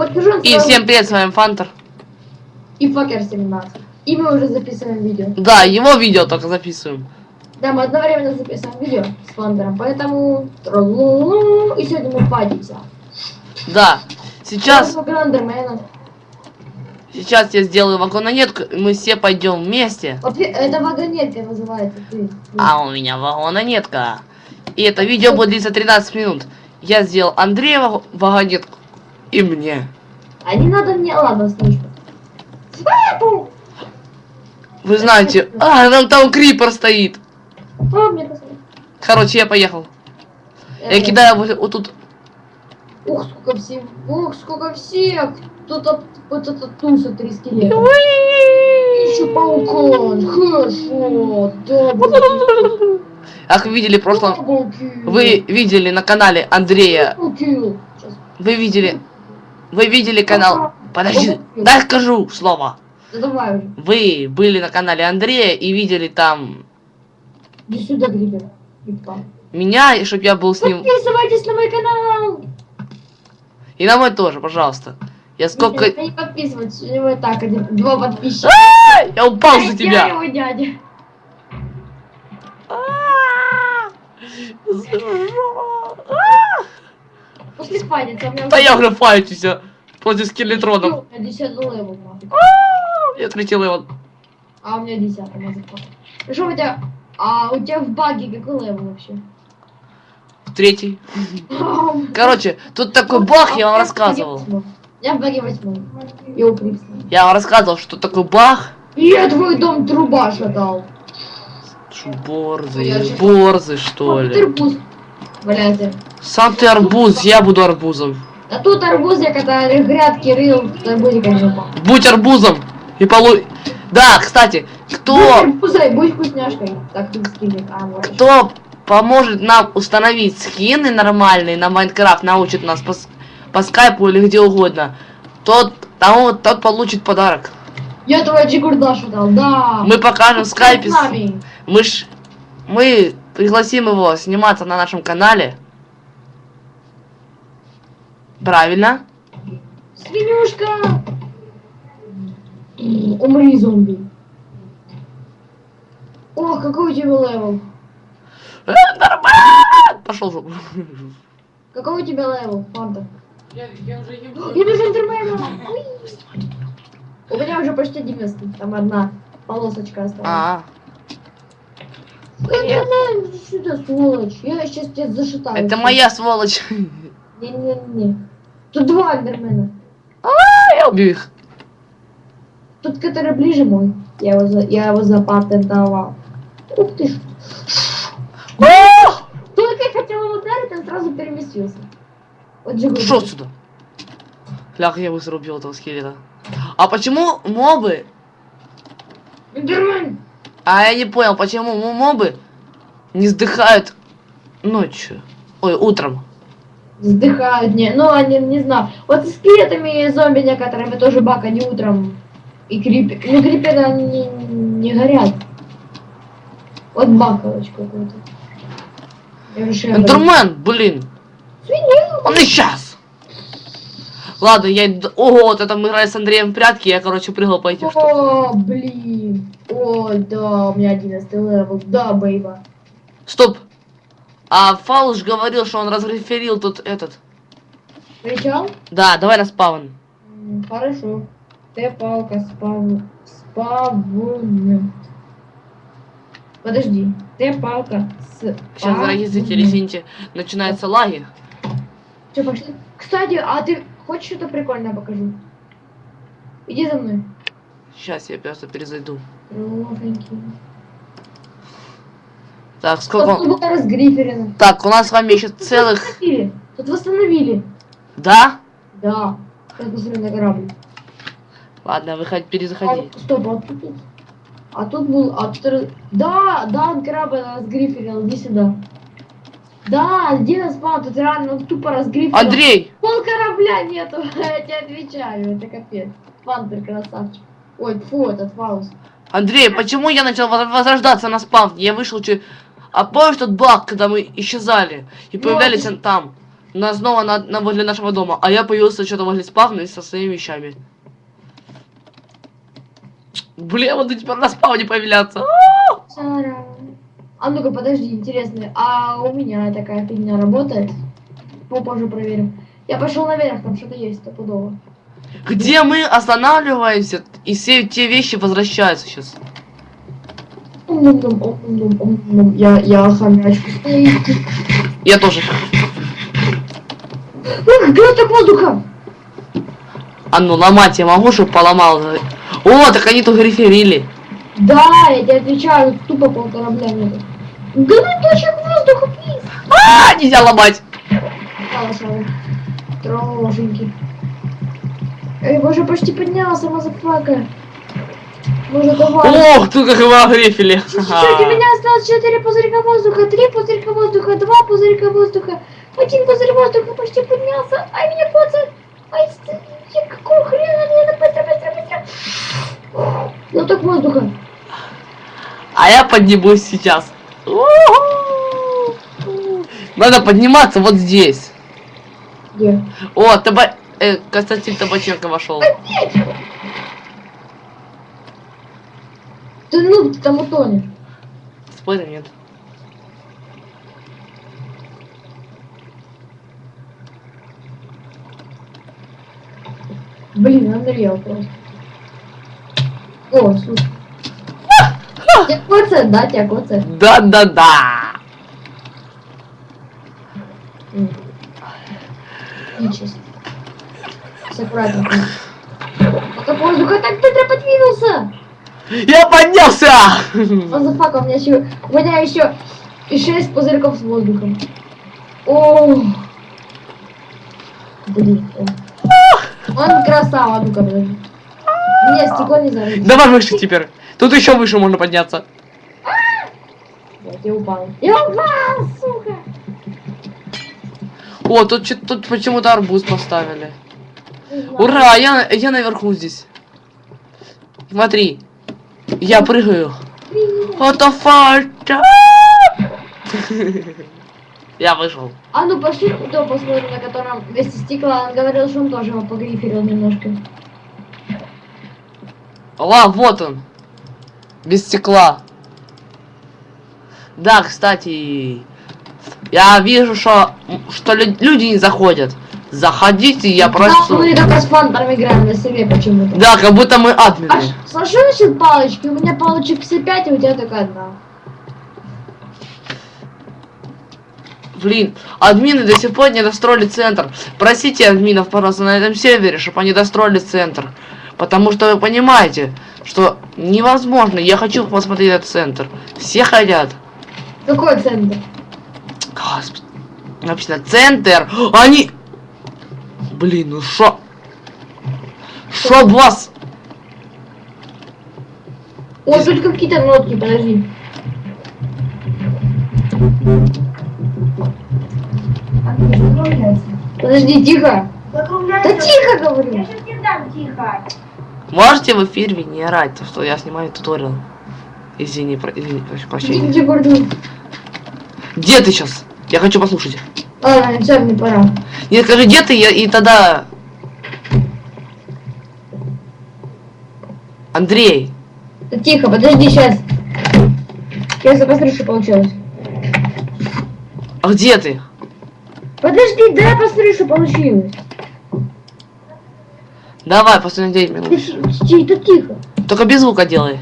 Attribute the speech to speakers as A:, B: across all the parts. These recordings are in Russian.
A: подпишем.
B: И всем привет, с вами Фантер.
A: И Факер 17. И мы уже записываем видео.
B: Да, его видео только записываем.
A: Да, мы одновременно записываем видео с Фантером, поэтому... И сегодня мы фатимся.
B: Да, сейчас я сделаю вагонетку, и мы все пойдем вместе.
A: Это вагонетка называется.
B: А у меня вагонетка. И это видео будет длиться 13 минут. Я сделал Андрея вагонетку и мне.
A: А не надо мне, ладно, слышно.
B: Вы знаете, там крипер стоит.
A: Мне посмотри.
B: Короче, я поехал. Я кидаю вот тут.
A: Ух, сколько всех. Ух, сколько всех. Тут вот этот туса 3 скелета. Еще паукон. Хорошо. Да,
B: как вы видели в прошлом... Вы видели на канале Андрея. Вы видели канал... Подожди, дай скажу слово.
A: Давай.
B: Вы были на канале Андрея и видели там...
A: Иди сюда, Грибер.
B: Меня, и чтоб я был с ним...
A: Подписывайтесь на мой канал.
B: И на мой тоже, пожалуйста. Я сколько...
A: Не подписывайтесь, у него и так 2 подписчика.
B: Я упал за тебя.
A: Я его дядя. Пошли файтиться.
B: Да я уже файтюсь против скелетронов.
A: У меня 10 левел.
B: Я 3 левел.
A: А у меня 10 мазафак. Что у тебя? А у тебя в баге какой левел вообще?
B: 3. Короче, тут такой баг, я вам рассказывал.
A: Я в баге 8. Я укрепся.
B: Я вам рассказывал, что такой баг.
A: Я твой дом труба шатал.
B: Борзый, что ли?
A: Арбуз. Валяйте.
B: Сам ты арбуз, я буду арбузом.
A: А тут арбуз, я когда грядки рыл, арбузиком жопа.
B: Будь арбузом и Да, кстати, кто...
A: Будь вкусняшкой. Так, ты скинет.
B: Кто поможет нам установить скины нормальные на Майнкрафт, научит нас по скайпу или где угодно, тот получит подарок.
A: Я твоя Джигурдашу дал, да.
B: Мы покажем в скайпе. Мы пригласим его сниматься на нашем канале. Правильно?
A: Свинюшка! Умри, зомби. О, какой у тебя левел?
B: Нормально! Пошел жопу.
A: Какой у тебя левел, Фанта?
B: Я уже
A: Я без интермена. У меня уже почти 90. Там одна полосочка осталась. Иди сюда, сволочь. Я сейчас тебя зашитаю.
B: Это моя сволочь.
A: Не-не-не. Тут 2 эндермена.
B: Я убью их.
A: Тут, который ближе мой. Я его запатентовал. Ух ты ж. Только я хотел его ударить, он сразу переместился. Вот же.
B: Шел сюда. Ляг, я быстро убил этого скелета. А почему мобы?
A: Эндермен!
B: А я не понял, почему мобы не сдыхают ночью. Ой, утром.
A: Сдыхают, ну они не знаю. Вот с скелетами и зомби некоторыми тоже баг, они утром. И крипер. Ну криперы они не горят. Вот баг, короче, какой-то.
B: Эндермен, блин.
A: Свинья.
B: Он исчез. Ладно, я иду... Ого, вот это мы играли с Андреем в прятки, я, короче, прыгал по этим штукам.
A: О, блин. О, да, у меня 11 левел. Да, бейба.
B: Стоп. А Фалуш говорил, что он разреферил тут этот.
A: Кричал?
B: Да, давай на спавн.
A: Хорошо. Т-палка спавн. Подожди. Т-палка с.
B: Сейчас, дорогие зрители, извините, начинаются лаги.
A: Че, пошли? Кстати, а ты хочешь что-то прикольное покажу? Иди за мной.
B: Сейчас я просто перезайду.
A: Ровненький.
B: Так, сколько... Так, у нас с вами еще целых...
A: Тут восстановили.
B: Да?
A: Да. Я посмотрю на корабль.
B: Ладно, перезаходи.
A: Стоп, а тут был... Да, корабль разгриферил, иди сюда. Да, один спал, тут реально тупо разгриферил.
B: Андрей!
A: Пол корабля нету, я тебе отвечаю, это капец. Фантер красавчик. Ой, фу, этот Фаус.
B: Андрей, почему я начал возрождаться на спавне? Я вышел чуть... А помнишь тот баг, когда мы исчезали и появлялись там? нас снова возле нашего дома, а я появился что-то возле спавна со своими вещами. Блин, я буду теперь на спавне появляться.
A: А ну-ка, подожди, интересно, а у меня такая фигня работает? Попозже проверим. Я пошел наверх, там что-то есть стопудово.
B: Где мы останавливаемся, и все те вещи возвращаются сейчас.
A: Я хомячку.
B: Я тоже.
A: Ух, глоток воздуха!
B: А ну ломать я могу, чтобы поломал. О, так они тут реферили.
A: Да, я тебе отвечаю, тупо полкорабля нету. Глоточек воздуха, плиз!
B: Нельзя ломать.
A: Хорошо. Трошеньки. Эй, боже, почти поднялся, мазафака. Может, давай.
B: Ох, тут как его огрефили.
A: Чуть-чуть, у меня осталось 4 пузырька воздуха, 3 пузырька воздуха, 2 пузырька воздуха, 1 пузырь воздуха, почти поднялся. Ай, меня коцает. Ай, какого хрена, надо быстро. Глоток воздуха.
B: А я поднимусь сейчас. Надо подниматься вот здесь.
A: Где?
B: О, Константин Табаченко вошел.
A: Ты ну, ты там утонешь.
B: Спорим, нет.
A: Блин, Unreal просто. О, слушай. Тебя коцает, да, тебя коцает?
B: Да.
A: Ничего. Все аккуратно. Поток воздуха так быстро подвинулся.
B: Я поднялся!
A: Мазафака, у меня еще и 6 пузырьков с воздухом. О, блин. Он красава, ну-ка, блин. Нет, стекло не зарыть.
B: Давай выше теперь. Тут еще выше можно подняться.
A: Вот, я упал. Я упал, сука!
B: О, тут почему-то арбуз поставили. Ура, я наверху здесь. Смотри. Я прыгаю. What the fuck? Я вышел.
A: А ну пошли то посмотрим, на котором вместе стекла. Он говорил, что он тоже его погриферил немножко.
B: Вот он. Без стекла. Да, кстати, я вижу, что люди не заходят. Заходите, я
A: Да,
B: прошу.
A: мы только с фантом играем на себе почему-то.
B: Да, как будто мы админы.
A: А слушай, насчет палочки? У меня палочек все 5, а у тебя только одна.
B: Блин, админы до сих пор не достроили центр. Просите админов, пожалуйста, на этом сервере, чтобы они достроили центр. Потому что вы понимаете, что невозможно. Я хочу посмотреть этот центр. Все хотят.
A: Какой центр?
B: Господи. Написано центр. Они... Блин, ну шо? Шо вас?
A: О, тут какие-то нотки, подожди. Подожди, тихо. Да тихо, говорю.
C: Я сейчас не дам, тихо.
B: Можете в эфире не орать, что я снимаю туториал. Извини, прошу прощения.
A: Иди, Гордон.
B: Где ты сейчас? Я хочу послушать.
A: Ладно, все, мне пора.
B: Не скажи, где ты, и тогда... Андрей.
A: Да тихо, подожди, сейчас. Я посмотрю, что получилось.
B: А где ты?
A: Подожди, дай я посмотрю, что получилось.
B: Давай, после 9 минут.
A: Да тихо.
B: Только без звука делай.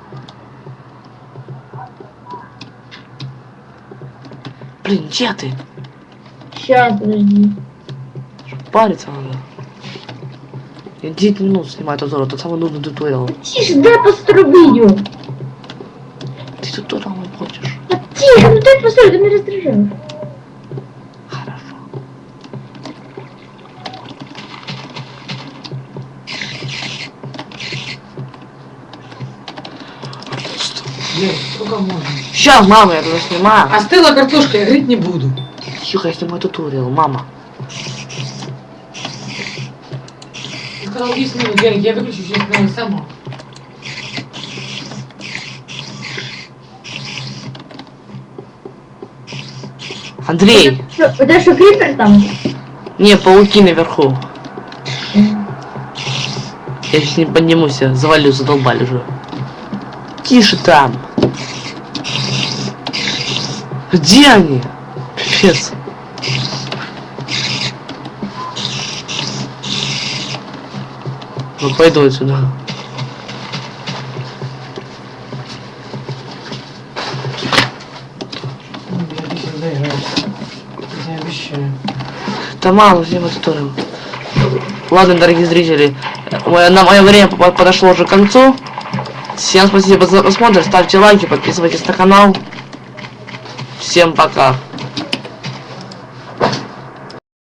B: Блин, где ты?
A: Сейчас, подожди.
B: Париться надо. Я 9 минут снимаю туториал, тот самый нудный туториал.
A: Тише, дай посмотрю видео.
B: Ты туториал не хочешь?
A: Да тихо, ну дай посмотрю, ты меня раздражаешь.
B: Хорошо.
D: Блин, сколько можно?
B: Сейчас, мама, я туда снимаю.
D: Остыла картошка, я говорить не буду.
B: Тихо, я снимаю туториал, мама.
D: Ты сказал 10 минут, Ярик, я выключу сейчас сама.
B: Андрей!
A: Это что, крипер там?
B: Не, пауки наверху. Я сейчас не поднимусь, я завалю, задолбали уже. Тише там. Где они? Пипец. Ну пойду отсюда.
D: Я здесь доиграюсь. Я обещаю.
B: Да мало, всем это тоже. Ладно, дорогие зрители, на мое время подошло уже к концу. Всем спасибо за просмотр, ставьте лайки, подписывайтесь на канал. Всем пока.